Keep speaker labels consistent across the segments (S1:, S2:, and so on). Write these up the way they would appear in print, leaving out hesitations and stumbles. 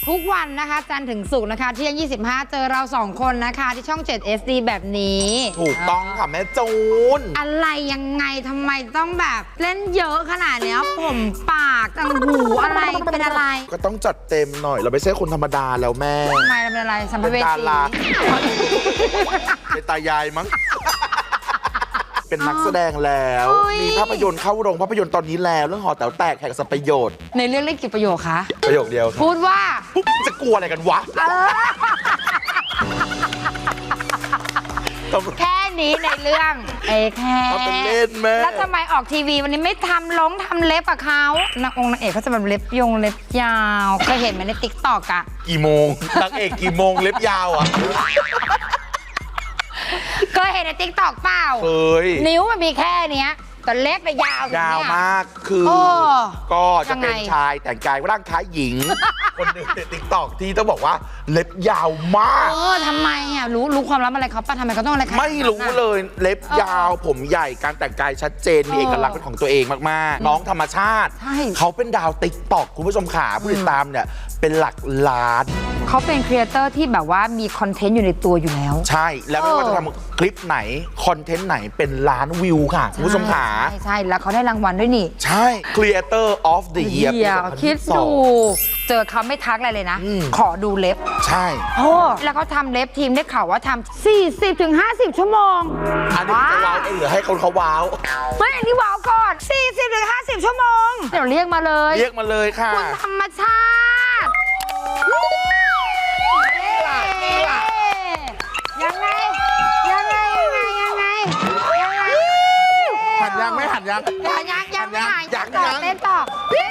S1: ทุกวันนะคะจันทร์ถึงศุกร์นะคะเที่ยง25เจอเรา2คนนะคะที่ช่อง 7 SD แบบนี้
S2: ถูกต้องค่ะแม่จูน
S1: อะไรยังไงทำไมต้องแบบเล่นเยอะขนาดเนี้ยผมปากต่างหูอะไรเป็นอะไร
S2: ก็ต้องจัดเต็มหน่อยเราไม่ใช่คนธรรมดาแล้วแม่
S1: ทำไมเราเป็นอะไรสัมภเวสี
S2: เป็นตายายมั้งเป็นนักแสดงแล้วมีภาพยนตร์เข้าโรงภาพยนตร์ตอนนี้แล้วเรื่องหอแต๋วแตกแห่งสัพประโยชน์
S1: ในเรื่องเล่นกี่ประโยคคะ
S2: ประโยคเดียว
S1: พูดว่า
S2: จะกลัวอะไรกันวะ
S1: แค่นี้ในเรื่องแค่
S2: เป็นเล่นแม่
S1: แล้วทำไมออกทีวีวันนี้ไม่ทำเล็บกับเขานางเอกเขาจะแบบเล็บยาวเคยเห็นไหมในติ๊กต็อกอะ
S2: กี่โมงนางเอกกี่โมงเล็บยาวอะ
S1: เคยเห็นในติ๊กต็อกเปล่า
S2: เคย
S1: นิ้วมันมีแค่เนี้ยแต่เล็บแต่ยาว
S2: มากคือก็จะเป็นชายแต่งกายร่างคล้ายหญิงคนหนึ่งในติ๊กต็อกที่ต้องบอกว่าเล็บยาวมาก
S1: ทำไมอ่ะรู้ความลับอะไรเขาป่ะทำไมเขาต้องอะไร
S2: ไม่รู้เลยเล็บยาวผมใหญ่การแต่งกายชัดเจนมีเอกลักษณ์เป็นของตัวเองมากๆน้องธรรมชาติเขาเป็นดาวติ๊กต็อกคุณผู้ชมขาผู้ติดตามเนี่ยเป็นหลักล้าน
S1: เขาเป็นครีเอเตอร์ที่แบบว่ามีคอนเทนต์อยู่ในตัวอยู่แล้ว
S2: ใช่แล้วไม่ว่าจะทำคลิปไหนคอนเทนต์ไหนเป็นล้านวิวค่ะคุณผู้ชมขา
S1: ใช่แล้วเขาได้รางวัลด้วยนี่
S2: ใช่ Creator of the Year
S1: คิดดูเจอเขาไม่ทักอะไรเลยนะขอดูเล็บ
S2: ใช่
S1: แล้วเขาทำเล็บทีมได้ข่าวว่าทำ40-50 ชั่วโมง
S2: อันนี้จะว้าวเองหรือให้คนเขาว้าว
S1: ไม่อันนี้ว้าวก่อน40-50 ชั่วโมงเดี๋ยวเรียกมาเลย
S2: ค่ะ
S1: คุณธรรมชาติยังไง
S2: หันยังไม่หันยัง
S1: เต้นต่อ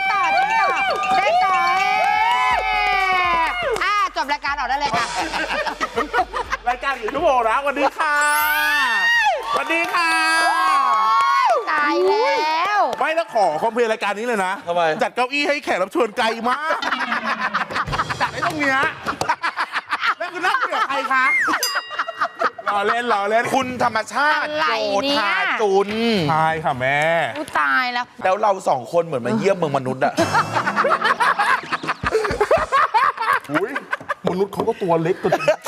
S1: จบรายการออกได้เลยค่ะ
S2: รายการกี่ชั่วโมงนะวันนี้ค่ะ
S1: ตายแล้ว
S3: ไม่ต้องขอคอมเพลรายการนี้เลยนะ
S2: ทำไม
S3: จัดเก้าอี้ให้แขกรับเชิญไกลมากจัดไอ้ตรงเนี้ยแล้วคุณนั่งกับใครคะรอเล่น
S2: คุณธรรมชาติโจธาจุน
S3: ใช่ค่ะแม่
S1: ตาย
S2: แล้วเรา2คนเหมือนมาเยี่ยมเมืองมนุษย์อะ
S3: มนุษย์เขาก็ตัวเล็กตัว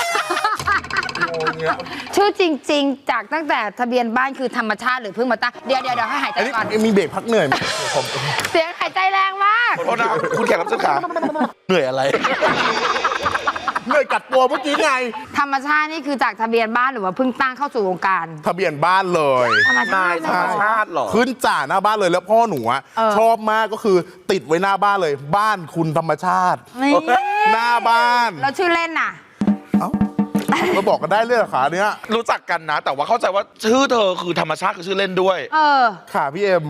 S1: ชื่อจริงๆจากตั้งแต่ทะเบียนบ้านคือธรรมชาติหรือเพิ่งมาตั้งเดี๋ยวให้หายใจก่อน
S3: มีเบรกพักเหนื่อย
S1: เสียงหายใจแรงมาก
S2: ขอโทษนะคุณแขกรับเชิญขาเหนื่อยอะไร
S3: เหนื่อยกัดตัวเมื่อกี้ไง
S1: ธรรมชาตินี่คือจากทะเบียนบ้านหรือว่าเพิ่งตั้งเข้าสู่วงการ
S3: ทะเบียนบ้านเลย
S1: ธรรมชา
S2: ติหรอ
S3: ขึ้นจ่าหน้าบ้านเลยแล้วพ่อหนูชอบมากก็คือติดไว้หน้าบ้านเลยบ้านคุณธรรมชาติหน้าบ้าน
S1: แล้วชื่อเล่นน่ะ
S3: เราบอกกันได้เลยเหรอคะเนี้ย
S2: รู้จักกันนะแต่ว่าเข้าใจว่าชื่อเธอคือธรรมชาติคือชื่อเล่นด้วย
S3: ค่ะพี่เอ็ม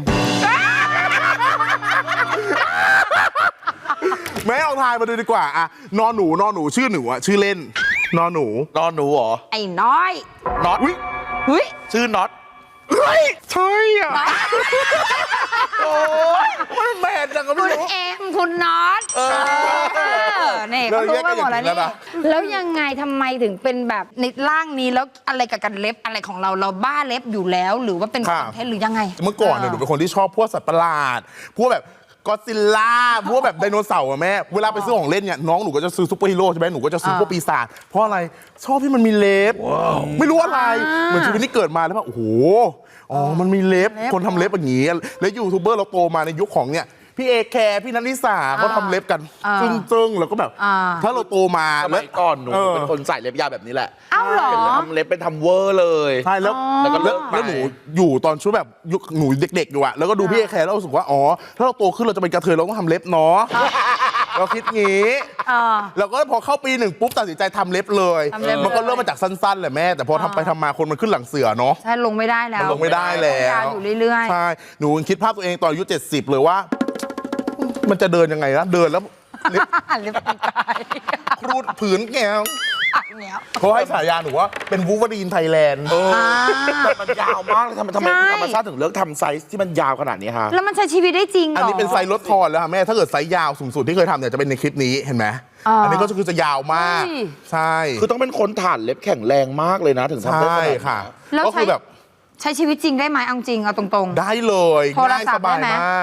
S3: แม่ลองทายมาดูดีกว่าอะนอหนูชื่อหนูอะชื่อเล่นนอหนู
S2: เหรอ
S1: ไอ้น้อย
S2: น็อตชื่อน็อต
S3: ใช่อ่ะโอ้ยมันแมนจังก็ไม่รู้
S1: คุณเอ็มคุณน็อตนี่เขารู้กันหมดแล้วนี่แล้วยังไงทำไมถึงเป็นแบบในร่างนี้แล้วอะไรกับกันเล็บอะไรของเราบ้าเล็บอยู่แล้วหรือว่าเป็นคอนเทนต์หรือยังไง
S3: เมื่อก่อนเนี่ยหนูเป็นคนที่ชอบพวกสัตว์ประหลาดพวกแบบก็อดซิลล่าพวกแบบไดโนเสาร์อะแม่เวลาไปซื้อของเล่นเนี่ยน้องหนูก็จะซื้อซุปเปอร์ฮีโร่ใช่ไหมหนูก็จะซื้อพวกปีศาจเพราะอะไรชอบที่มันมีเล็บไม่รู้อะไรเหมือนชีวิตนี้เกิดมาแล้วว่าโอ้โหมันมีเล็บคนทำเล็บอย่างนี้แล้วยูทูบเบอร์เราโตมาในยุคของเนี่ยพี่เอแคร์พี่นัทนิสาเขาทำเล็บกันจึ้งแล้วก็แบบถ้าเราโตมา
S2: สมัยก่อนหนูเป็นคนใส่เล็บยาวแบบนี้แหละ
S1: อ้าวเหรอ
S2: ทำเล็บเป็นทำเวอร์เลย
S3: ใช่แล้วหนูอยู่ตอนช่วงแบบยุคหนูเด็กๆอยู่อะแล้วก็ดูพี่เอแคร์แล้วรู้สึกว่าถ้าเราโตขึ้นเราจะเป็นกระเทยเราต้องทำเล็บเนาะเราคิดงี้แล้วก็พอเข้าปี1ปุ๊บตัดสินใจทำเล็บเลยมันก็เริ่มมาจากสั้นๆแหละแม่แต่พอทำไปทำมาคนมันขึ้นหลังเสือเนาะ
S1: ใช่ลงไม่ได้แล้ว
S3: ลงไม่ได้แล้ว
S1: อยู่เรื่อย
S3: ๆใช่หนูคิดภาพตัวเองตอนอายุ70เลยว่ามันจะเดินยังไงนะเดินแล้วเล็บ
S1: ตาย
S3: ครูดผืนแก้วเขาให้ฉายาหนูว่าเป็นวูล์ฟเวอรีนไทยแลนด์
S2: แต่มันยาวมากเลยทำไมธรรมชาติถึงเลือกทำไซส์ที่มันยาวขนาดนี้คะ
S1: แล้วมันใช้ชีวิตได้จริงเหรอ
S3: อันนี้เป็นไซส์ลดทอนแล้วค่ะแม่ถ้าเกิดไซส์ยาวสูงสุดที่เคยทำเนี่ยจะเป็นในคลิปนี้เห็นไหมอันนี้ก็คือจะยาวมากใช่
S2: คือต้องเป็นคนถ่านเล็บแข็งแรงมากเลยนะถึงทำได้ขนาดนี้
S3: ค่ะก็คือแบบ
S1: ใช้ชีวิตจริงได้ไหมเอาจริงเอาตรง
S3: ๆได้เลยง่ายสบายมาก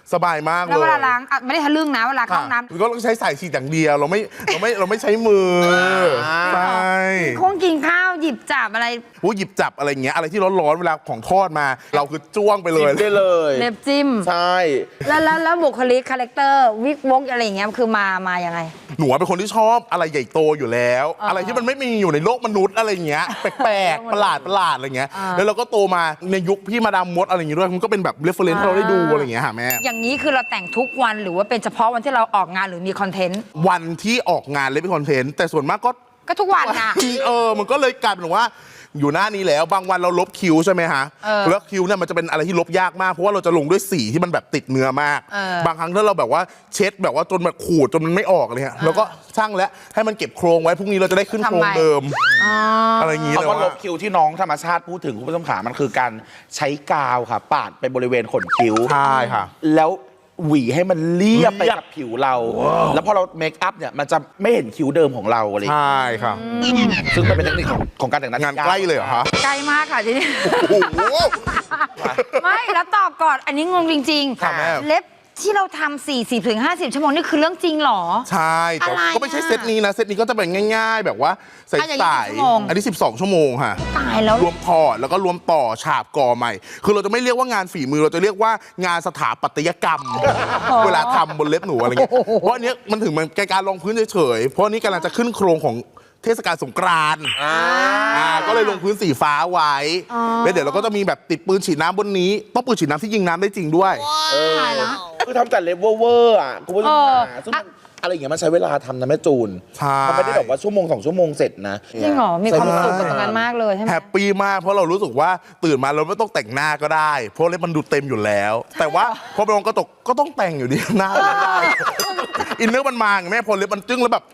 S3: สบายมากเลย
S1: แล้วเวลาล้างไม่ได้ทะลึ่งนะเวลาเข้าห้องน้ำ
S3: ก็ต้องใช้สายฉีดอย่างเดียวเราไม่ใช้มือใช่
S1: คงกินข้าวหยิบจับอะไร
S3: หยิบจับอะไรเงี้ยอะไรที่ร้อนๆเวลาของทอดมา เราคือจ้วงไปเลย
S2: ได้เลย
S1: เล็บจิ้ม
S2: ใช่
S1: แล้วบุคลิกคาแรคเตอร์วิกวกอะไรอย่างเงี้ยคือมายังไง
S3: หนูเป็นคนที่ชอบอะไรใหญ่โตอยู่แล้ว อะไรที่มันไม่มีอยู่ในโลกมนุษย์อะไรเงี้ยแปลกๆประหลาดอะไรเงี้ยแล้วเราก็โตมาในยุคพี่มาดามมดอะไรอย่างงี้ด้วยมันก็เป็นแบบเรฟเฟอเรนซ์ให้เราได้ดูอะไรเงี้ยค่ะแม่
S1: อย่างนี้คือเราแต่งทุกวันหรือว่าเป็นเฉพาะวันที่เราออกงานหรือมีคอนเทนต์
S3: วันที่ออกงานเลยเป็นคอนเทนต์แต่ส่วนมากก็
S1: ก็ทุกวันนะ
S3: มันก็เลยกลายเป็นว่าอยู่หน้านี้แล้วบางวันเราลบคิ้วใช่ไหมฮะ แล้วคิ้วเนี่ยมันจะเป็นอะไรที่ลบยากมากเพราะว่าเราจะลงด้วยสีที่มันแบบติดเนื้อมาก บางครั้งถ้าเราแบบว่าเช็ดแบบว่าจนแบบขูดจนมันไม่ออกเลยฮะแล้วก็ช่างแล้วให้มันเก็บโครงไว้พรุ่งนี้เราจะได้ขึ้นโครงเดิมอะไรอย่างนี้เลย
S2: คำว่าล
S3: ว่า
S2: บคิ้วที่น้องธรรมชาติพูดถึงคุณผู้ชมขามันคือการใช้กาวค่ะปาดไปบริเวณขนคิ้ว
S3: ใช่ค่ะ
S2: แล้วหวีให้มันเรียบไปกับผิวเรา แล้วพอเราเมคอัพเนี่ยมันจะไม่เห็นคิ้วเดิมของเราอะไรอย่างเงี้ย
S3: ใช่ค่ะ
S2: ซึ่งมันเป็นเทคนิคของการแต่งหน้าง
S3: านใกล้เลยเหรอคะ
S1: ไกลมากค่ะทีนี้
S3: โอ้โห
S1: ไม่แล้วตอบก่อนอันนี้งงจริง
S3: ค่ะแม่
S1: เล็บที่เราทำ40 ถึง 50 ชั่วโมงนี่คือเรื่องจริงเหรอ
S3: ใช่แต่
S1: อะไร
S3: ก็ไม่ใช่เซตนี้นะเซตนี้ก็จะเป็นง่าย ๆ แบบว่าใส่
S1: อย่างนี้
S3: สาย
S1: กี่ชั่วโมง
S3: อันนี้12 ชั่วโมงค่ะ
S1: ตายแล้ว
S3: รวมถอดแล้วก็รวมต่อฉาบก่อใหม่ คือเราจะไม่เรียกว่างานฝีมือเราจะเรียกว่างานสถาปัตยกรรม เวลาทำบนเล็บหนูอะไรเงี้ยเพราะอันเนี้ยมันถึงมันการรองพื้นเฉยๆเพราะอันนี้กำลังจะขึ้นโครงของเทศกาลสงกรานต์ก็เลยลงพื้นสีฟ้าไว้แล้วเดี๋ยวเราก็จะมีแบบติดปืนฉีดน้ำบนนี้ต้องปืนฉีดน้ำที่ยิงน้ำได้จริงด้วย
S1: ตายละ
S2: คือทำแต่เล็บเวอร์อ่ะคุณผู้ชมขาซึ่งมันอะไรอย่างเงี้ยมันใช้เวลาทำนะแม่จูน
S3: ใช่
S2: มันไม่ได้แบบว่าชั่วโมง2 ชั่วโมงเสร็จนะ
S1: จริงเหรอมีความสุขกับตรงนั้นมากเลยใช่ไหม
S3: แฮปปี้มากเพราะเรารู้สึกว่าตื่นมาเราไม่ต้องแต่งหน้าก็ได้ เพราะเล็บมันดูเต็มอยู่แล้ว แต่ว่าพอไปลงกระจกก็ต้องแต่งอยู่ดีหน้าไม่ได้อินเนอร์มันมาไงแม่พอเล็บมันจึ้งแล้วแบบ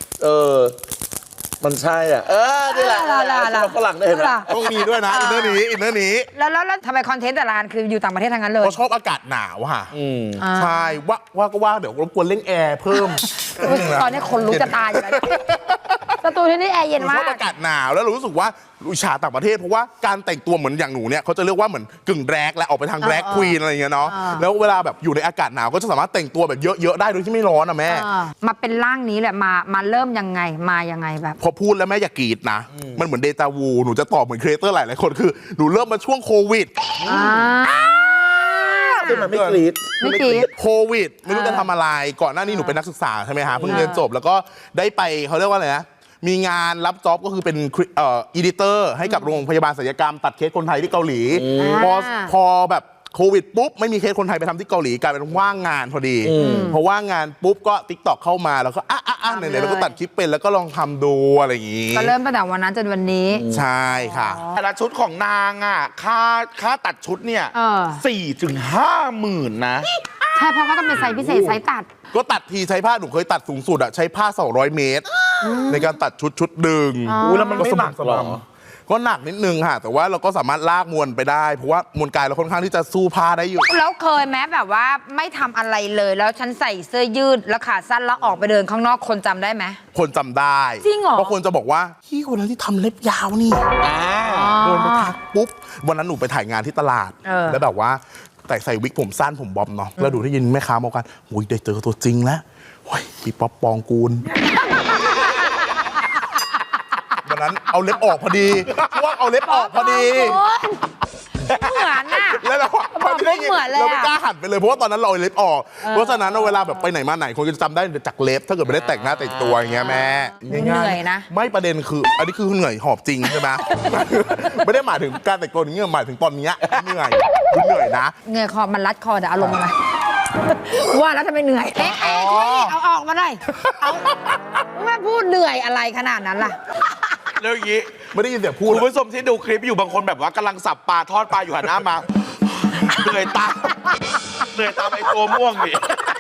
S2: มันใช่อ่ะนี่แหละเราฝรั่งได้เห็นไหม
S3: ต้องมีด้วยนะอินเนอร์นี้
S1: แล้วทำไมคอนเทนต์แต่ละอันคืออยู่ต่างประเทศทั้งนั้นเลย
S3: เพราะชอบอากาศหนาวค่ะใช่ว่าเดี๋ยวรบกวนเร่งแอร์เพิ่ม
S1: ตอนนี้คนรู้จะตายอยู่แล้วสตูที่นี่แอร์เย็น
S3: ช
S1: มา
S3: อก บอากาศหนาวแล้วรู้สึกว่าอิจฉาต่างประเทศเพราะว่าการแต่งตัวเหมือนอย่างหนูเนี่ยเขาจะเรียกว่าเหมือนกึ่งแรกและออกไปทางแรกควีนอะไรอย่างเงี้ยเนาะแล้วเวลาแบบอยู่ในอากาศหนาวก็จะสามารถแต่งตัวแบบเยอะๆได้โดยที่ไม่ร้อนอ่ะแม่
S1: มาเป็นร่างนี้แหละมาเริ่มยังไงมายังไงแบบ
S3: พอพูดแล้วแม่อย่ากรีดนะ มันเหมือนเดจาวูหนูจะตอบเหมือนครีเอเตอร์หลายๆคนคือหนูเริ่มมาช่วงโควิด
S2: ซึ่งมันไม่กรี๊ด
S1: ไม่กรี๊ด
S3: โควิดไม่รู้จะทำอะไรก่อนหน้านี้หนูเป็นนักศึกษาใช่ไหมฮะเพิ่งเรียนจบแล้วก็ได้ไปเขาเรียกว่าอะไรนะมีงานรับจ็อบก็คือเป็นอีดิเตอร์ให้กับโรงพยาบาลศัลยกรรมตัดเคสคนไทยที่เกาหลีพอแบบโควิดปุ๊บไม่มีเคสคนไทยไปทำที่เกาหลีกลายเป็นว่างงานพอดีพอว่างงานปุ๊บก็ TikTok เข้ามาแล้วก็ไหนๆเราก็ตัดคลิปเป็นแล้วก็ลองทำดูอะไรอย่างงี้
S1: ก็เริ่มตั้งแต่วันนั้นจนวันนี้
S3: ใช่ค่ะ
S2: แต่ละชุดของนางอ่ะค่าตัดชุดเนี่ย 4 ถึง 5 หมื่นนะ
S1: ใช่เพราะก็ต้องเป็นไซส์พิเศษไซส์ตัด
S3: ก็ตัดทีใช้ผ้าหนูเคยตัดสูงสุดอะใช้ผ้า200 เมตร ในการตัดชุดดึง
S2: แล้วมันไม่หนักหรอ
S3: ก็หนักนิดนึงค่ะ แต่ว่าเราก็สามารถลากมวลไปได้ เพราะว่ามวลกายเราค่อนข้างที่จะสู้ผ้าได้อยู่
S1: แล้วเคยแม้แบบว่าไม่ทำอะไรเลย แล้วฉันใส่เสื้อยืดแล้วขาสั้นแล้วออกไปเดินข้างนอกคนจำได้ไหม
S3: คนจำได้
S1: จริงเหรอ
S3: เพราะคนจะบอกว่าพี่คนนั้นที่ทำเล็บยาวนี่เดินไปทักปุ๊บวันนั้นหนูไปถ่ายงานที่ตลาด แล้วแบบว่าแต่ใส่วิกผมสั้นผมบ๊อบเนาะแล้วดูได้ยินแม่ค้าบอกกันโอ้ยได้เจอตัวจริงแล้วโอ้ยพี่ป๊อปปองกูล วันนั้นเอาเล็บออกพอดีช่วงเอาเล็บออกพอดี
S1: เหมือนน่ะ
S3: แล้วเรา
S1: บอกปุ๊บเหมือนเลย
S3: เราไม่
S1: อะ
S3: กล้าหันไปเลยเพราะว่าตอนนั้นเราเอาเล็บออก เพราะฉะนั้นเวลาแบบไปไหนมาไหนคนก็จะจำได้จากเล็บถ้าเกิดไม่ได้แต่งหน้าแต่งตัวอย่างเงี้ยแม่
S1: เหนื่อยนะ
S3: ไม่ประเด็นคือ อันนี้คือเหนื่อยหอบจริงใช่ไหม ไม่ได้หมายถึงการแต่งตัวอย่างเงี้ยหมายถึงตอนเนี้ยเหนื่อยนะ
S1: เหนื่อยคอมันรัดคอแต่อารมณ์อะไรว่าแล้วทำไมเหนื่อยเอาออกมาหน่อยเอาแม่พูดเหนื่อยอะไรขนาดนั้นล่ะ
S2: แล้วอย่างนี้
S3: ไม่ได้ยินเสียงพูด
S2: คุณผู้ชมที่ดูคลิปอยู่บางคนแบบว่ากำลังสับปลาทอดปลาอยู่หันหน้ามา เหนื่อยตามไอ้ตัวม่วงนี่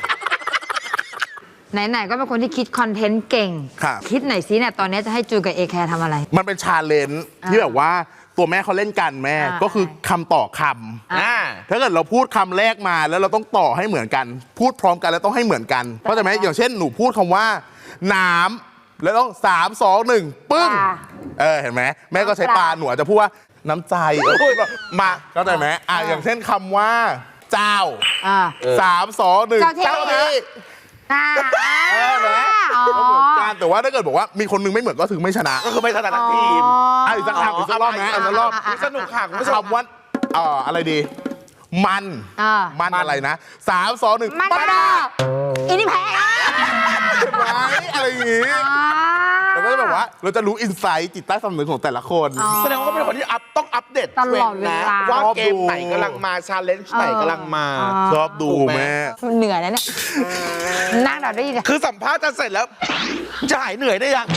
S1: ไหนๆก็เป็นคนที่คิดคอนเทนต์เก่ง
S3: ครับ
S1: คิดหน่อยสิเนี่ยตอนนี้จะให้จูกับเอแคร์ทำอะไร
S3: มันเป็นชาเลนจ์ที่แบบว่าตัวแม่เขาเล่นกันแม่ ก็คือคำต่อคำถ้าเกิดเราพูดคำแรกมาแล้วเราต้องต่อให้เหมือนกัน พูดพร้อมกันแล้วต้องให้เหมือนกันเพราะฉะนั้นอย่างเช่นหนูพูดคำว่าน้ำแล้วต้อง3 2 1ปึ้ง เห็นไหมแม่ก็ใช้ปลาหนูอาจจะพูดว่าน้ำใจพูดมาเข้าใจไหมอย่างเช่นคำว่าเจ้า
S1: อ่า
S3: 3 2 1
S1: เจ้าที่ อ่า
S3: เหมือนกันแต่ว่าถ้าเกิดบอกว่ามีคนนึงไม่เหมือนก็ถึงไม่ชนะ
S2: ก็คือไม่ถนัดทั้งทีม
S3: อีกสักครั้งอีกสักรอบนะอีกสักรอบ
S2: สนุกค่ะคุณผู้ชม
S3: คำว่าอะไรดี มันอะไรนะ3 2 1
S1: มันอีนี่แพ้
S3: ไว้อะไรอย่างงี้เราก็จะแบบว่าเราจะรู้อินไซต์จิตใต้สำนึกของแต่ละคน
S2: แสดงว่าเขาเป็นคนที่ต้องอัปเดต
S1: ตลอดเวลา
S2: ทรนด์นะว่าเกมไหนกำลังมาชาเลนจ์ไหนกำลังมา
S3: ชอบดูแม่
S1: เหนื่อยนะเนี่ยนั่งเราได้ยิน
S2: คือสัมภาษณ์จะเสร็จแล้ว จะหายเหนื่อยได้ยัง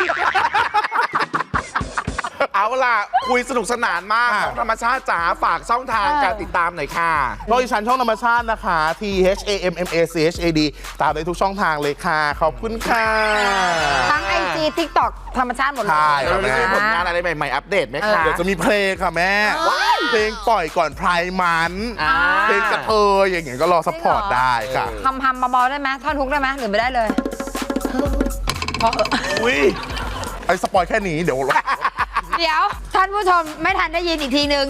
S2: เอาล่ะ คุยสนุกสนานมากน้องธรรมชาติจ๋าฝากช่องทางการติดตามหน่อยค่ะ
S3: ก็อีชันช่องธรรมชาตินะคะ THAMMACHAD ตามได้ทุกช่องทางเลยค่ะ ขอบคุณค่ะ
S1: ทั้ง IG TikTok ธรรมชาติหมดเลย
S3: ใช่
S2: แล้วเราจะมีผลงานอะไรใหม่ๆ อัปเดตไหมคะ
S3: เดี๋ยวจะมีเพลงค่ะแม่ เพลงปล่อยก่อนไพร์มัน เพลงกระเทยอย่างเงี้ยก็รอซัพพอร์ตได้ค่ะ
S1: ทำเบาๆได้ไหมท่อนฮุกได้ไหมหรือไม่ได้เลยพอเหอะ
S2: อุ้ย
S3: ไอ้สปอยแค่นี้เดี๋ยว
S1: เดี๋ยวท่านผู้ชมไม่ทันได้ยินอีกทีนึง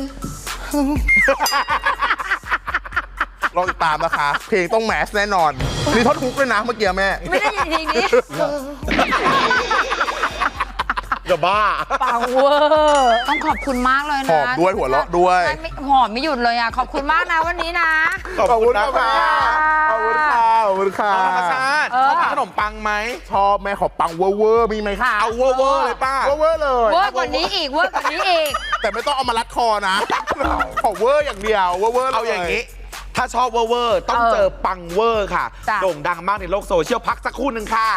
S3: รอติดตามนะคะ เพลงต้องแมสแน่นอน มีท่อนฮุกด้วยนะเมื่อกี้แม่
S1: ไม่ได้ยินอีกทีนี้
S2: จะบ้า
S1: ปังเวอร์ต้องขอบคุณมากเลยนะ
S3: หอมด้วยหัวเราะด้วย
S1: ใช่ไม่หอมไม่หยุดเลยอ่ะขอบคุณมากนะวันนี้นะ
S2: ขอบคุณนะคะ
S3: ขอบคุณค่ะขอบคุณค่ะ
S2: น้องธรรมชาติชอบทานขนมปังไหม
S3: ชอบแม่ขอปังเวอร์ๆมีไหมคะ
S2: เอาเวอร์ๆเลยป้า
S3: เวอร์ๆเลย
S1: เวอร์กว่านี้อีกเวอร์กว่านี้อีก
S3: แต่ไม่ต้องเอามารัดคอนะ ขอเวอร์อย่างเดียวเวอร์ๆเลย
S2: เอาอย่างนี้ ถ้าชอบเวอร์ๆต้องเจอปังเวอร์ค่ะ
S1: จ้ะ
S2: โด่งดังมากในโลกโซเชียลพักสักครู่หนึ่งค่ะ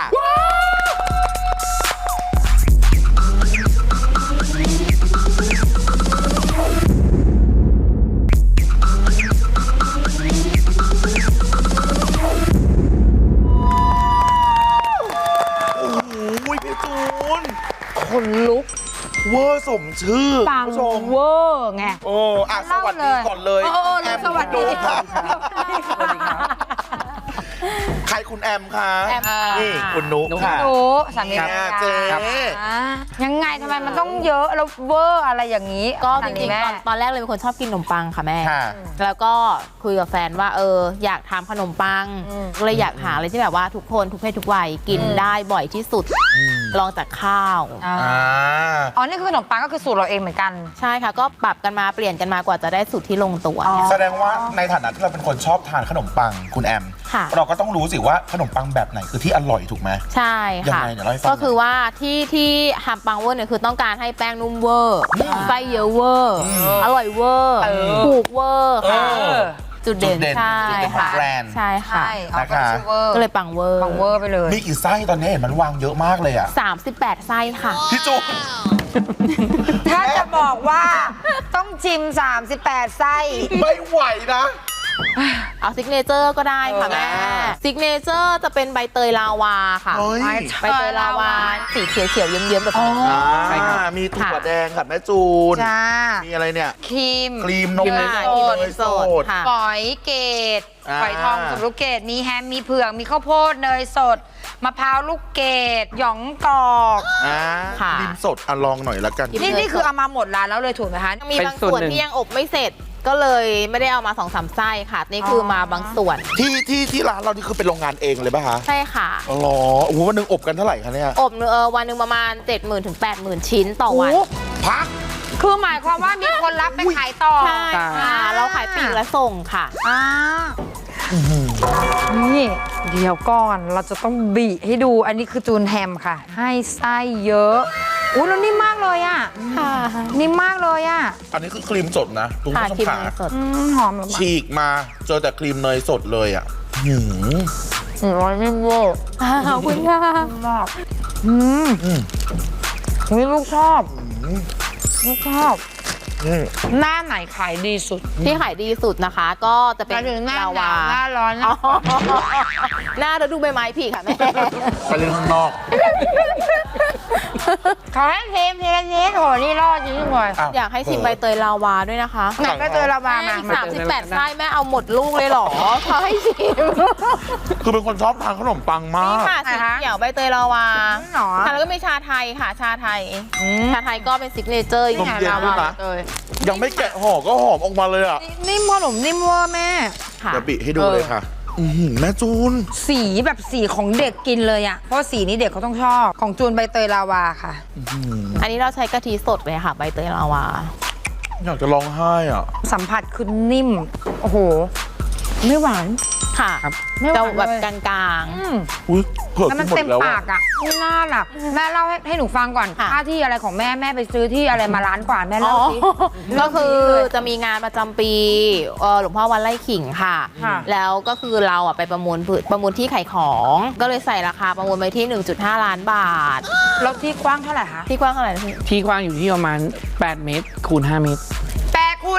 S2: โอ้โหพี่จูน
S1: คนลุก
S2: เวอร์สมชื่อ
S1: ปัง
S2: คุณผู้ชม
S1: เวอร์ไง
S2: โอ้อะสวัสดีก่อนเลย
S1: โอ้สวัสดี
S2: ค่ะ
S1: สวัสดีค่ะ
S2: ใครคุณแอมคะ
S1: แอม
S2: นี่คุณนุกค่ะ
S1: หนูสามีภรร
S2: เจ๊
S1: ยายังไงทำไมมันต้องเยอะแล้วเวอร์อะไรอย่างนี้
S4: ก็
S1: ข
S4: จ
S1: นาด
S4: ริ
S1: นี้
S4: ง
S1: แม่
S4: ๆตอนแรกเลยเป็นคนชอบกินขนมปังค่ะแม่
S2: ค่ะ
S4: แล้วก็คุยกับแฟนว่าอยากทำขนมปังก็เลยอยากหาอะไรที่แบบว่าทุกคนทุกเพศทุกวัยกินได้บ่อยที่สุดลองจากข้าว
S2: อ่า
S1: อ๋อ นี่คือขนมปังก็คือสูตรเราเองเหมือนกัน
S4: ใช่ค่ะก็ปรับกันมาเปลี่ยนกันมากว่าจะได้สูตรที่ลงตัว
S2: แสดงว่าในฐานะที่เราเป็นคนชอบทานขนมปังคุณแอม
S4: ค่ะ
S2: เราก็ต้องรู้สิว่าขนมปังแบบไหนคือที่อร่อยถูกไหม
S4: ใช่ค่ะ
S2: ยังไงเดี๋ยวเล่าให้ฟัง
S4: ก็คือว่าที่ทำปังเวอร์เนี่ยคือต้องการให้แป้งนุ่มเวอร์ไส้เยอะเวอร์อร่อยเวอร์ถูกเวอร์ค่ะจุดเด่นใช่
S2: จุดเด่นของ
S4: ค่ะ
S2: แบรนด์
S4: ใช่ค่ะ
S1: ใช่เอาก็ชื่อเวอร์
S4: ก็เลยปังเวอร์
S1: ปังเวอร์ไปเลย
S2: มีกี่ไส้ตอนนี้เห็นมันวางเยอะมากเลยอ่ะ
S4: 38 ไส้ค่ะ
S2: พี่จูน
S1: ถ้าจะบอกว่าต้องชิม 38 ไส้
S2: ไม่ไหวนะ
S4: เอาซิกเนเจอร์ก็ได้ค่ะแม่ซิกเนเจอร์จะเป็นใบเตยลาวาค่ะ
S2: เฮ้ย
S4: ใบเตยลาวาสีเขียวๆเยิ้มๆแบบนี้
S2: ใช่ครับมีถั่วแดงกับแม่จูน
S1: จ้า
S2: มีอะไรเนี่ย
S1: ครีม
S2: ครีมนม
S4: ครีม
S2: เน
S4: เน
S2: ย
S4: ย
S2: ส
S4: ส
S2: ด
S4: ดค่ะ
S1: ฝอยเกต
S2: อ่า
S1: ฝอยทองสุกลูกเกดมีแฮม มีเผือก มีข้าวโพด เนยสด มะพร้าวลูกเกด หยองกรอก
S4: ค่ะ
S2: ครีมสดลองหน่อยละกัน
S1: นี่คือเอามาหมดร้านแล้วเลยถูกไหมคะ
S4: มีบางส่วนที่ยังอบไม่เสร็จก็เลยไม่ได้เอามา2-3 ไส้ค่ะ นี่คือมาบางส่วน
S2: ที่ร้านเรานี่คือเป็นโรงงานเองเลยป่ะคะ
S4: ใช่ค่ะ
S2: อ๋อโอ้โหวันหนึงอบกันเท่าไหร่คะเนี่ย
S4: อบวันหนึ่งประมาณ 70,000 ถึง 80,000 ชิ้นต่อวัน
S2: พัก
S1: คือหมายความว่ามีคนรับไปขายต่อ
S4: ใช่ค่ะ เราขายปลีกและส่งค่ะ
S1: อ่านี่เดี๋ยวก่อนเราจะต้องบีให้ดูอันนี้คือจูนแฮมค่ะ ให้ไส้เยอะอุ้ยแล้วนิ่มมากเลยอ่ะ
S4: ค่ะ
S1: นิ่มมากเลยอ่ะ
S2: อันนี้คือครีมสดนะคุณ
S4: ค่ะ
S2: ผู้ชม
S4: ครีม
S2: ขา
S4: เนยสด
S1: หอมแบบ
S2: ฉีกมาเจอแต่ครีมเนยสดเลยอ่ะหืม
S1: ร้อยนิ่มเวอร์
S4: ขอบคุณค่ะ
S1: มากนี่ลูกชอบลูกชอบหน้าไหนขายดีสุด
S4: ที่ขายดีสุดนะคะ ก็จะเป็น
S1: หมายถึงหน้า
S4: ลา
S1: หนาว
S4: า
S1: หน้าร้อน
S4: อ๋อหน้าฤดูใบไม้ผลิค่ะแม่
S2: ไปเล่นข้างนอก
S1: ขอให้เทมทีละนิดโหนี่รอดจริงๆเลย
S2: อ้าว
S4: อยากให้ชิมใบเตยลาวาด้วยนะคะ
S1: ไหนก็เจอเรามา
S4: แม่
S1: มา
S4: อีก38 ไส้แม่เอาหมดลูกเลยเหรอเขาให้ชิม
S2: คือเป็นคนชอบทานขนมปังมา
S4: นี่
S2: ก
S4: ค่ะสีเขียวใบเตยลาวา
S1: หรอ
S4: ค่ะแล้วก็มีชาไทยค่ะ ชาไทย ชาไทยก็เป็นซิกเนเจอร์
S2: นมเย็นด้วยนะ
S4: เลย
S2: ยังไม่แกะห่อก็หอมออกมาเลยอ่ะ
S1: นิ่มขนมนิ่มเวอร์แม่
S4: ค่ะ
S2: เดี๋ยวบิให้ดูเลยค่ะแม่จูน
S1: สีแบบสีของเด็กกินเลยอะเพราะสีนี้เด็กเขาต้องชอบของจูนใบเตยลาวาค่ะ
S4: อันนี้เราใช้กะทิสดเลยค่ะ ใบเตยลาวา
S2: อยากจะร้องไห้อ่ะ
S1: สัมผัสคือนิ่ม โอ้โห ไม่หวาน
S4: ค่ะ
S1: ไม่หวาน
S4: จะแบบ
S1: เลย
S4: กลาง
S2: อุ้ยเผือก
S1: แล้วมัน
S2: หมด
S1: เต็ม
S2: แล้ว
S1: ปากอะไม่น่าหลับแม่เล่าให้หนูฟังก่อน
S4: ค่ะ
S1: ค่าที่อะไรของแม่ไปซื้อที่อะไรมาล้านกว่าแม่
S4: ๆอ๋
S1: เล่า
S4: อ
S1: สิ
S4: ก็คือจะมีงานประจำปีหลวงพ่อวัดไร่ขิงค่ะ
S1: ค่ะ
S4: แล้วก็คือเราไปประมูลที่ขายของ ก็เลยใส่ราคาประมูลไปที่ 1.5 ล้านบาท
S1: แล้วที่กว้างเท่าไหร่คะ
S4: ที่กว้างเท่าไหร่นะพี่
S5: ที่กว้างอยู่ที่ประมาณ 8 เมตรคูณ 5 เมตร
S1: 8 คูณ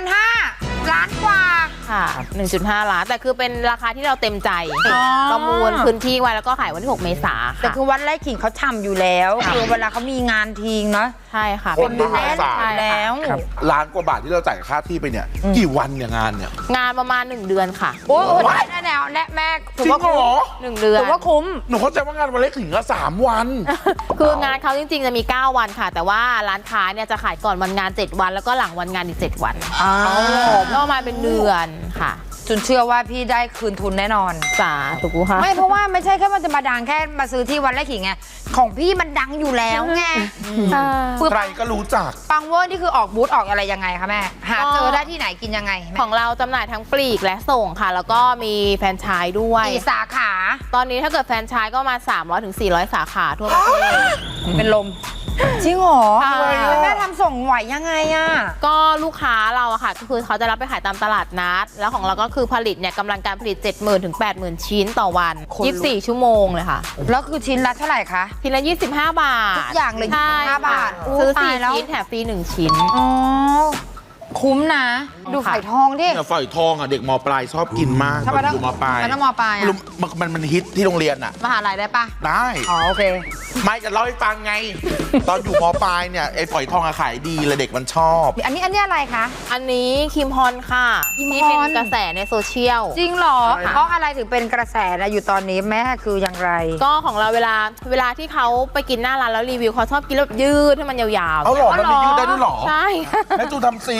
S1: 5 ล้านกว่า
S4: ค่ะ 1.5 ล้าน แต่คือเป็นราคาที่เราเต็มใจ
S1: อ๋อ
S4: ประมูลพื้นที่ไว้แล้วก็ขายวันที่ 6 เมษา
S1: แต่
S4: ค่ะ
S1: คือวัดไร่ขิงเขาทำอยู่แล้ว
S4: ค่ะ
S1: คือเวลาเขามีงานทีงเนาะ
S4: ใช่ค่ะ
S2: คนมหาศาล
S1: อยู่แล้ว
S5: ครับ
S2: ล้านกว่าบาทที่เราจ่ายค่าที่ไปเนี่ย กี่วันเนี่ยงานเนี่ย
S4: งานประมาณ 1 เดือนค่ะ
S1: โอ้โหแนวแม่
S2: จริงเหรอ
S4: 1 เดือน
S1: ถือว่าคุ้ม
S2: หนูเข้าใจว่างานวันเล็กถึงก็3 วัน
S4: คืองานเขาจริงๆจะมี 9 วันค่ะ แต่ว่าร้านค้าเนี่ยจะขายก่อนวันงาน 7 วัน แล้วก็หลังวันงานอีก 7 วันก็ประมาณเป็นเดือนค่ะ
S1: จนเชื่อว่าพี่ได้คืนทุนแน่นอน
S4: สาถูกค่ะ
S1: ไม่เพราะว่าไม่ใช่แค่มันจะมาดังแค่มาซื้อที่วันไร่ขิงไงของพี่มันดังอยู่แล้วไง
S2: ใครก็รู้จัก
S1: ปังเวอร์นี่คือออกบูธออกอะไรยังไงคะแม่ หาเจอได้ที่ไหนกินยังไงแม่
S4: ของเราจำหน่ายทั้งปลีกและส่งค่ะ แล้วก็มีแฟรนไชส์ด้วย
S1: กี่สาขา
S4: ตอนนี้ถ้าเกิดแฟรนไชส์ก็มา 300 ถึง 400 สาขาทั่วประเทศ
S1: เป็นลมจริงเหรอ
S4: ใช่
S1: แม่ทำส่งไหวยังไงอะ
S4: ก็ลูกค้าเราอะค่ะก็คือเขาจะรับไปขายตามตลาดนัด แล้วของเราก็คือผลิตเนี่ยกำลังการผลิต 70,000 ถึง 80,000 ชิ้นต่อวัน 24 ชั่วโมงเลยค่ะ
S1: แล้วคือชิ้นละเท่าไหร่คะ
S4: ทีละ 25 บาท
S1: ทุกอย่างเลย
S4: ใช่
S1: 25 บาท
S4: ค่ะซื้อ
S1: ตายแล้ว
S4: 4 ชิ้นแถมฟรี 1 ชิ้น
S1: อ๋อคุ้มนะ ดู
S4: ค่ะ
S1: ไข่ทองดิ
S2: เนี่ยฝอยทองอ่ะเด็กมปลายชอบกินมาก
S1: ทำไม
S2: ตอนอยู่มปลาย
S1: มันต้องมปลายอะ
S2: ไม่รู้มันฮิตที่โรงเรียนอ่ะ
S1: มหาลัยได้ปะ
S2: ได้
S1: อ๋อโอเค
S2: ไม่จะเล่าให้ฟังไง ตอนอยู่มปลายเนี่ยไอ้ฝอยทองอะขายดีเลยเด็กมันชอบ
S1: อันนี้อะไรคะ
S4: อันนี้คิมฮอนค่ะ
S1: คิมฮอน
S4: ที่เป็นกระแสในโซเชียล
S1: จริงเหรอ
S2: ใช่ค่ะ
S1: เพราะอะไรถึงเป็นกระแสนะอยู่ตอนนี้แม่คืออย่างไร
S4: ก็ของเราเวลาที่เขาไปกินหน้าร้านแล้วรีวิวเขาชอบกินแล้วยืดให้มันยาวๆ
S2: เอาหรอมันมียืดได้ด้วยหรอ
S4: ใช่
S2: แม่จูทำสี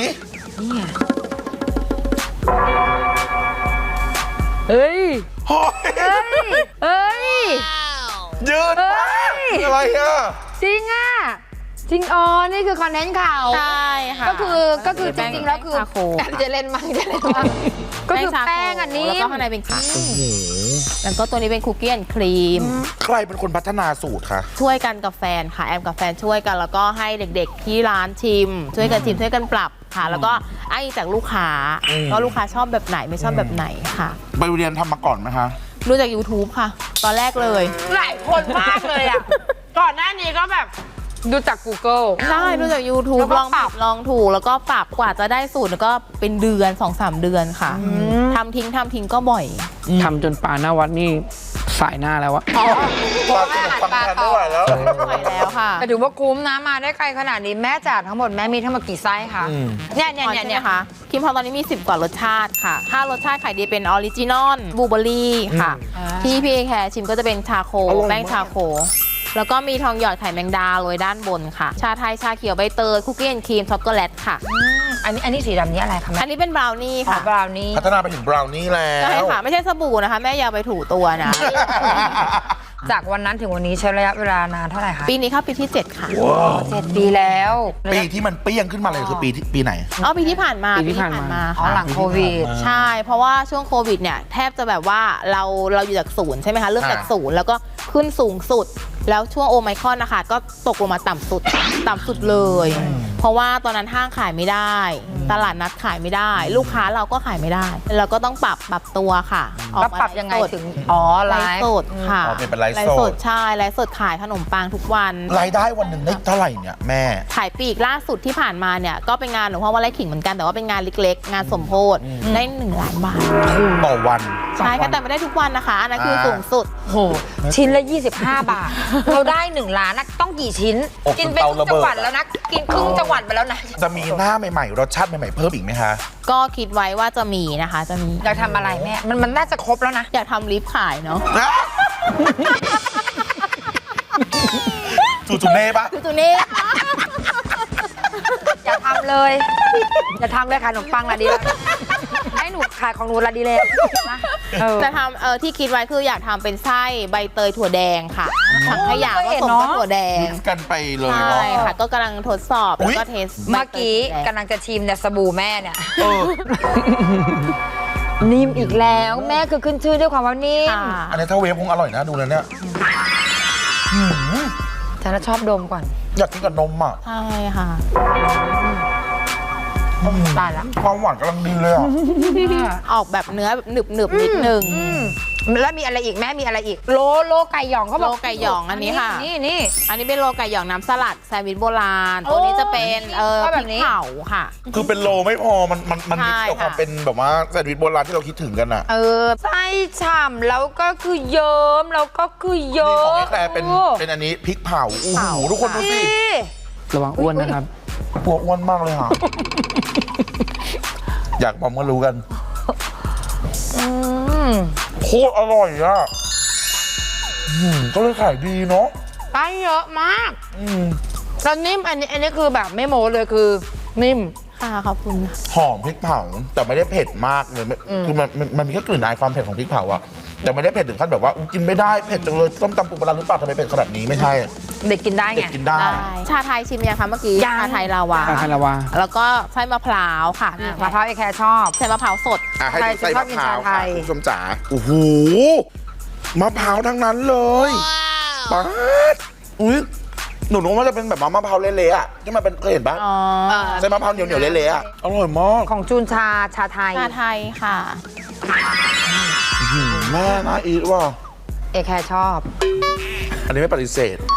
S1: เฮ้ย
S2: โอ้ย
S1: เฮ้ย
S2: ยืดมาก
S1: เฮ้ย
S2: อะไรอ่ะ
S1: จริงอ่ะ จริงอ๋อ นี่คือคอนเทนต์ข่าว
S4: ใช่ค่ะ
S1: ก็คือจริงๆแล้วคือ
S4: ชาโค
S1: จะเล่นมั้งก็คือแป้งอันนี้
S4: แล้วก็ข้างในเป็นค่ะแล้วก็ตัวนี้เป็นคุกกี้แอนด์ครีม
S2: ใครเป็นคนพัฒนาสูตรคะ
S4: ช่วยกันกับแฟนค่ะแอมกับแฟนช่วยกัน แล้วก็ให้เด็กๆที่ร้านชิม ช่วยกันชิมช่วยกันปรับค่ะ แล้วก็ไอ้จากลูกค้าก็ลูกค้าชอบแบบไหนไม่ชอบแบบไหนค่ะ
S2: ไปเรียนทำมาก่อนไหมคะ
S4: ดูจาก YouTube ค่ะ ตอนแรกเลย
S1: หลายคนมากเลยอ่ะ ก่อนหน้านี้ก็แบบดูจาก Google
S4: ใช่ดูจาก YouTube
S1: แล้วก็
S4: ลอง
S1: ป
S4: ป
S1: รั
S4: รับ บลองถูกแล้วก็ปรับกว่าจะได้สูตรแล้วก็เป็นเดือน 2-3 เดือนค่ะทำทิ้งก็บ่อย
S5: ทำจนปลาหน้าวัดนี่สายหน้าแล้วอะ
S2: ปลาสนุกฟังทันไม่ไหวแล้ว
S4: บ่อยแล้วค่ะ
S1: แต่ถือว่าคุ้มนะมาได้ไกลขนาดนี้แม่จ่ายทั้งหมดแม่มีทั้งหมดกี่ไส้คะเนี่ย
S4: ใช่ไหมคะคิมพอตอนนี้มี 10 กว่ารสชาติค่ะถ้ารสชาติขายดีเป็นออริจินอลบลูเบอรี่ค่ะ ที่พี่แคร์ชิมก็จะเป็นชาโค
S2: อร่อยมาก
S4: แป้งชาโค แล้วก็มีทองหยอดไข่แมงดาโรยด้านบนค่ะ ชาไทยชาเขียวใบเตยคุกกี้แอนด์ครีมช็อกโกแลตค่ะ
S1: อันนี้สีดำนี้อะไรคะแม่
S4: อันนี้เป็นบราวนี่
S1: อ๋อ
S4: ค่ะ
S1: บราวนี่
S2: พัฒนาไปถึงบราวนี่แล้ว
S4: ใช่ค่ะ ไม่ใช่สบู่นะคะ แม่อย่าไปถูตัวนะ
S1: จากวันนั้นถึงวันนี้ใช้ระยะเวลานานเท่าไหร่คะ
S4: ปีนี้เข้าปีที่ 7 ค่ะ
S1: 7 ปีแล้ว
S2: ปีที่มันเปี้ยงขึ้นมาเลยคือปีไหน
S4: อ๋อปีที่ผ่านมา
S5: ปีที่ผ่านมา
S1: อ๋อ
S4: ค่ะ
S1: หลังโควิด
S4: ใช่ เพราะว่าช่วงโควิดเนี่ยแทบจะแบบว่าเราอยู่จากศูนย์ใช่ไหมคะเริ่มจากศูนย์แล้วก็ขึ้นสูงสุด แล้วช่วงโอไมครอนนะคะก็ตกลงมาต่ำสุดเลย เพราะว่าตอนนั้นห้างขายไม่ได้ ตลาดนัดขายไม่ได้ ลูกค้าเราก็ขายไม่ได้ เราก็ต้องปรับตัวค่ะออก
S1: แล้ว
S4: มา
S1: ปรับยังไง
S4: ลฟ์สด
S1: ถึง อ๋อไล
S4: ไลฟ์
S1: ฟ์
S4: สดค่ะ
S2: อ๋อเป็นไลฟ์สด
S4: ใช่ไลฟ์สดขายขนมปังทุกวัน
S2: รายได้วันหนึ่งได้เท่าไหร่เนี่ยแม่
S4: ขายปลีกล่าสุดที่ผ่านมาเนี่ยก็เป็นงานหลวงพ่อวัดไร่ขิงเหมือนกันแต่ว่าเป็นงานเล็กๆ งานสมโภชได้1 ล้านบาท
S2: ต่อวัน
S4: ใช่ค่ะแต่ไม่ได้ทุกวันนะคะ อันนั้นคือสูงสุด
S1: โหชิ้นละ 25 บาท เราได้ 1 ล้านนะต้องกี่ชิ้น
S2: อบ
S1: กินไป
S2: เตา
S1: ครึ่ง
S2: ระเบิด
S1: จังหวัดแล้วนะ กินครึ่งจังหวัดไปแล้วนะ
S2: จะมีหน้าใหม่ๆ รสชาติใหม่ๆ เพิ่มอีกไหมคะ
S4: ก็คิดไว้ว่าจะมีนะคะจะมี
S1: อยากทำอะไรแม่ มันน่าจะครบแล้วนะ
S4: อยากทำลิฟต์ขายเนาะ
S2: จูจูเน่ปะ
S4: คือตัวนี้
S1: อยากทำเลย จะทำเลยขายขนมปังละดีแล้วให้หนูขายของหนูละดีเลยนะ
S4: จะทำที่คิดไว้คืออยากทำเป็นไส้ใบเตยถั่วแดงค่ะถังขยะผสมกับถั่วแดง
S2: มิกซ์กันไปเลย
S4: ใช่
S2: เนาะ
S4: ค่ะก็กำลังทดสอบแล้วก็เทส
S1: เมื่อกี้กำลังจะชิมเนี่ยสบู่แม่เนี่ยนิ่มอีกแล้วแม่คือขึ้นชื่อด้วยความว่านิ่ม
S4: ค่ะ
S2: อันนี้ถ้าเวฟคงอร่อยนะดูเลยเนี่ย
S1: ฉันชอบดมก่อน
S2: อยากกินกับนมอ่ะ
S4: ใช่ค่ะ
S1: ตายละ
S2: ความหวานกำลังดีเลยอ่ะ
S4: ออกแบบเนื้อแบบหนึบๆนิดนึง
S1: แล้วมีอะไรอีกแม่มีอะไรอีก โลไก่หยองเขาบอก
S4: โลไก่หยองอันนี้ค่ะ
S1: นี่
S4: อันนี้เป็นโลไก่หยองน้ำสลัดแซนด์วิชโบราณตัวนี้จะเป็น
S1: ก็
S4: พ
S1: แบ
S4: ริ
S1: บ
S4: ก
S1: นี้
S4: เผาค่ะ
S2: คือเป็นโลไม่พอมันมิกซ์กับ
S4: ใช่ค่ะ
S2: ความเป็นแบบว่าแซนด์วิชโบราณที่เราคิดถึงกันอ่ะ
S1: ไส้ฉ่ำแล้วก็คือเยิ้มแล้วก็คือเยิ้
S2: นี่ของ
S1: ม
S2: ไอ้แต่เป็นอันนี้พริกเผาโอ้โหทุกคนดูสิ
S1: นี่
S5: ระวังอ้วนนะครับ
S2: ปวดอ้วนมากเลยค่ะ อยากบอกก็รู้กันโคตรอร่อยอ่ะก็เลยขายดีเนาะ
S1: ไส้เยอะมากแล้วนิ่มอันนี้คือแบบไม่โม้เลยคือนิ่ม
S4: ค่ะขอบคุณค่ะ
S2: หอมพริกเผาแต่ไม่ได้เผ็ดมากเลยคือมันมีแค่กลิ่นอายความเผ็ดของพริกเผาอะแต่ไม่ได้เผ็ดถึงขั้นแบบว่ากินไม่ได้เผ็ดจังเลยต้มตำปูปลาร้าหรือเปล่าทำไมเผ็ดขนาดนี้ไม่ใช่
S1: เด็กกินได้
S2: เด็
S1: ไง
S2: กกินได้
S4: ชาไทยชิมยังคะเมื่อกี้
S1: ยัง
S4: ชาไทยลาวา
S5: ชาไทยลาวา
S4: แล้วก็ไส้มะพร้าวค่ะ
S1: มะพร้าวไอแคร์ชอบ
S4: ใส่มะพร้าวสด
S2: ให้ดูไส้มะพร้าว
S1: ใครชอบกินชาไท
S2: ค่ะ
S1: ย
S2: คุณผู้ชมจ๋าโอ้โหมะพร้าวทั้งนั้นเลยป๊าดอุ้ยหนูนึกว่าจะเป็นแบบมะพร้าวเละๆอะที่มันเป็นเคยเห็นปะ
S4: อ๋อ
S2: ใช่มะพร้าวเหนียวๆเละๆอะอร่อยมาก
S1: ของจูนชาไทย
S4: ชาไทยค่ะ
S2: แม่น่าอีทว่ะ
S1: เอแคร์ชอบ
S2: อันนี้ไม่ปฏิเสธ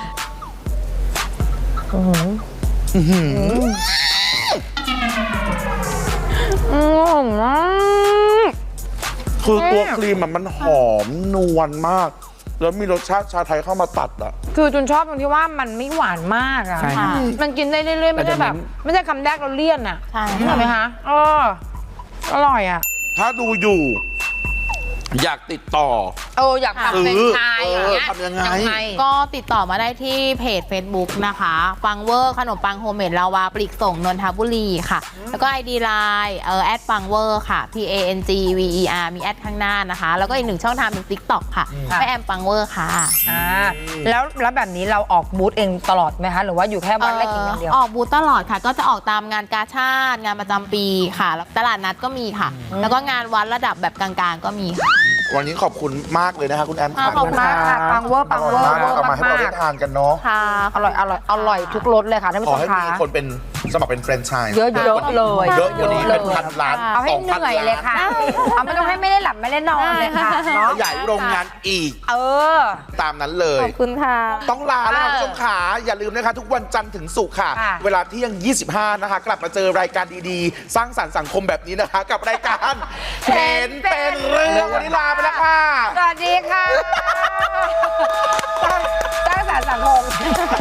S2: คือตัวครีมมันหอมนวลมาก แล้วมีรสชาติชาไทยเข้ามาตัดอ่ะ
S1: คือจูนชอบตรงที่ว่ามันไม่หวานมากอะ
S5: ใช่ครับ
S1: มันกินได้เรื่อยๆไม่ได้แบบ ไม่ใช่คำแรกเราเลี่ยนอะ
S4: ใช่
S1: ใช่ไหมคะอร่อยอะ
S2: ถ้าดูอยู่ อยากติดต่อ
S1: อยากทำเป็นไชายอย่างเงี้ย
S2: ทำยังไง
S4: ก็ติดต่อมาได้ที่เพจ Facebook นะคะปังเวอร์ขนมปังโฮมเมดลาวาปลีกส่งนนทบุรีค่ะ แล้วก็ ID Lineแอดปังเวอร์ค่ะ PANGVER มีแอดข้างหน้านะคะ แล้วก็อีกหนึ่งช่องทางเป็น TikTok ค่ะแม่แอมปังเวอร์ค่ะ
S1: แล้วแบบนี้เราออกบูธเองตลอดไหมคะ หรือว่าอยู่แค่วันแรกกินอย่างเดียว
S4: ออกบูธตลอดค่ะ ก็จะออกตามงานกาชาดงานประจำปีค่ะแล้วตลาดนัดก็มีค่ะ แล้วก็งานวัดระดับแบบกลางๆก็มีค่ะ
S2: วันนี้ขอบคุณมากเลยนะคะคุณแอม
S4: ขอบคุณ
S1: มากค่ะปังเวอร์
S2: อร่อยมากเอามาให้เรา
S1: มา
S2: ได้
S1: ก
S2: ทานกันเนาะ
S4: ค่ะ
S1: อร่อยทุกรสเลยค่ะท่านผู้
S2: ข
S1: ช
S2: อ
S1: ม
S2: ให้
S1: ค่ะ
S2: มีคนเป็นสมัครเป็นแฟรนไชส์
S1: เยอะๆเลย
S2: เยอะกว่านี้เป็นพันล้าน
S1: เอาให้
S2: 2,000
S1: เหนื่อยเลยค่ะ เอาไม่ต้องให้ไม่ได้หลับไม่ได้นอนเลยค่ะเนาะ
S2: ขยายโรงงานอีก ตามนั้นเลย
S4: ขอบคุณค่ะ
S2: ต้องลาแล้วค่ะคุณผู้ชมขาอย่าลืมนะคะ ทุกวันจันทร์ถึงศุกร์ค่ะ
S1: ค่ะ
S2: เวลาเที่ยง 25 นะคะ กลับมาเจอรายการดีๆ สร้างสรรค์สังคมแบบนี้นะคะ กับรายการเห็นเป็นเรื่องวันนี้ลาไปแล้วค่ะ
S1: สวัสดีค่ะสร้างสรรค์สังคม